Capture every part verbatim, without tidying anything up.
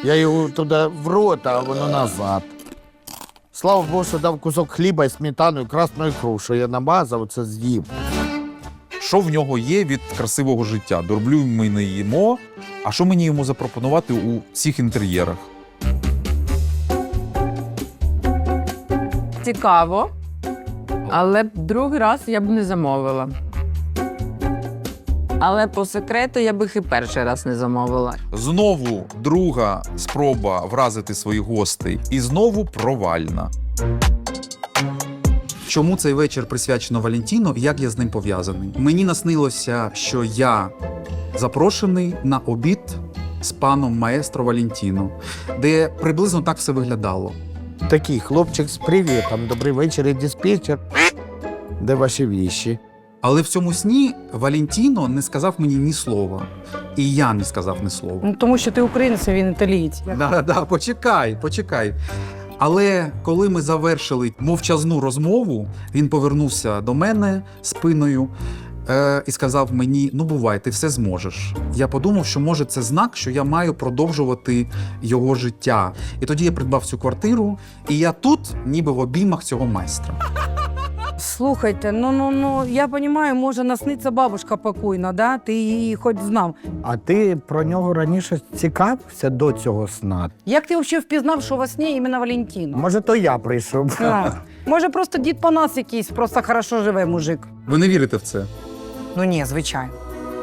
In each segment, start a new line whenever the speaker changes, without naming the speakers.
Я його туди в рот, а воно назад. Слава Богу, що дав кусок хліба і сметану, і красну ікру, що я намазав, це з'їв.
Що в нього є від красивого життя? Дорблю ми не їмо, а що мені йому запропонувати у всіх інтер'єрах?
Цікаво, але другий раз я б не замовила. Але по секрету я б їх і перший раз не замовила.
Знову друга спроба вразити своїх гостей. І знову провальна.
Чому цей вечір присвячено Валентіну і як я з ним пов'язаний? Мені наснилося, що я запрошений на обід з паном маестро Валентіно, де приблизно так все виглядало.
Такий хлопчик з привітом, добрий вечір, і диспетчер. Де ваші віші?
Але в цьому сні Валентіно не сказав мені ні слова. І я не сказав ні слова.
Ну, тому що ти українець, а він італієць.
Да, да, почекай, почекай. Але коли ми завершили мовчазну розмову, він повернувся до мене спиною е, і сказав мені: ну бувай, ти все зможеш. Я подумав, що може це знак, що я маю продовжувати його життя. І тоді я придбав цю квартиру, і я тут ніби в обіймах цього майстра.
Слухайте, ну, ну, ну, я розумію, може насниться бабушка покойна, да? Ти її хоч знав.
А ти про нього раніше цікавився до цього сна?
Як ти взагалі впізнав, що во сні іменно Валентіно?
Може, то я прийшов.
А, може, просто дід Панас якийсь, просто хорошо живе мужик.
Ви не вірите в це?
Ну ні, звичайно.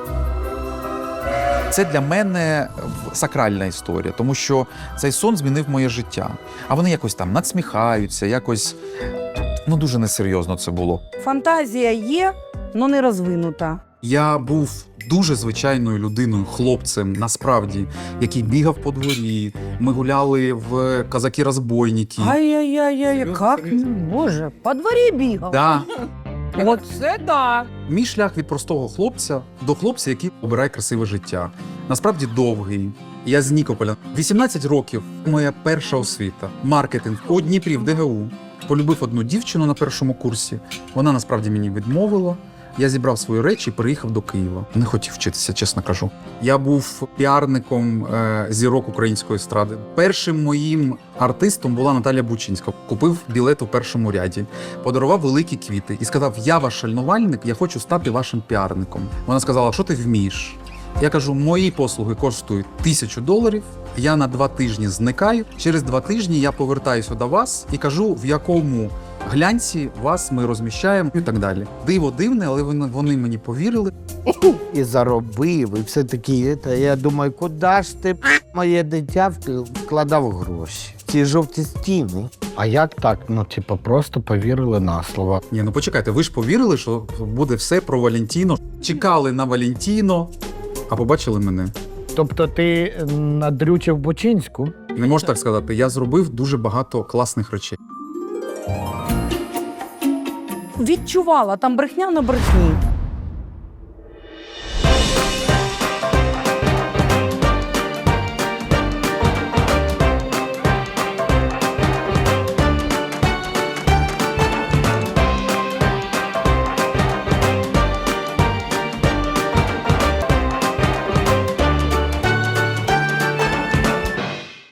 Це для мене сакральна історія, тому що цей сон змінив моє життя. А вони якось там надсміхаються, якось, ну, дуже несерйозно це було.
Фантазія є, але не розвинута.
Я був дуже звичайною людиною, хлопцем, насправді, який бігав по дворі. Ми гуляли в казаки-розбойники.
Ай-яй-яй, як? Боже, по дворі бігав.
Да.
Оце да.
Мій шлях від простого хлопця до хлопця, який обирає красиве життя. Насправді довгий. Я з Нікополя. вісімнадцять років моя перша освіта. Маркетинг у Дніпрі в ДГУ. Полюбив одну дівчину на першому курсі. Вона насправді мені відмовила. Я зібрав свої речі і переїхав до Києва. Не хотів вчитися, чесно кажу. Я був піарником е, зірок української естради. Першим моїм артистом була Наталя Бучинська. Купив білет у першому ряді, подарував великі квіти і сказав: я ваш шальнувальник, я хочу стати вашим піарником. Вона сказала: що ти вмієш? Я кажу: мої послуги коштують тисячу доларів, я на два тижні зникаю. Через два тижні я повертаюся до вас і кажу, в якому глянці вас ми розміщаємо і так далі. Диво дивне, але вони, вони мені повірили.
І заробив, і все таки. Я думаю, куди ж ти, моє дитя, вкладав гроші? В ці жовті стіни. А як так? Ну, типу, просто повірили на слово.
Ні, ну почекайте, ви ж повірили, що буде все про Валентіно. Чекали на Валентіно, а побачили мене.
Тобто ти надрючив Бучинську?
Не можу так сказати, я зробив дуже багато класних речей.
Відчувала, там брехня на брехні.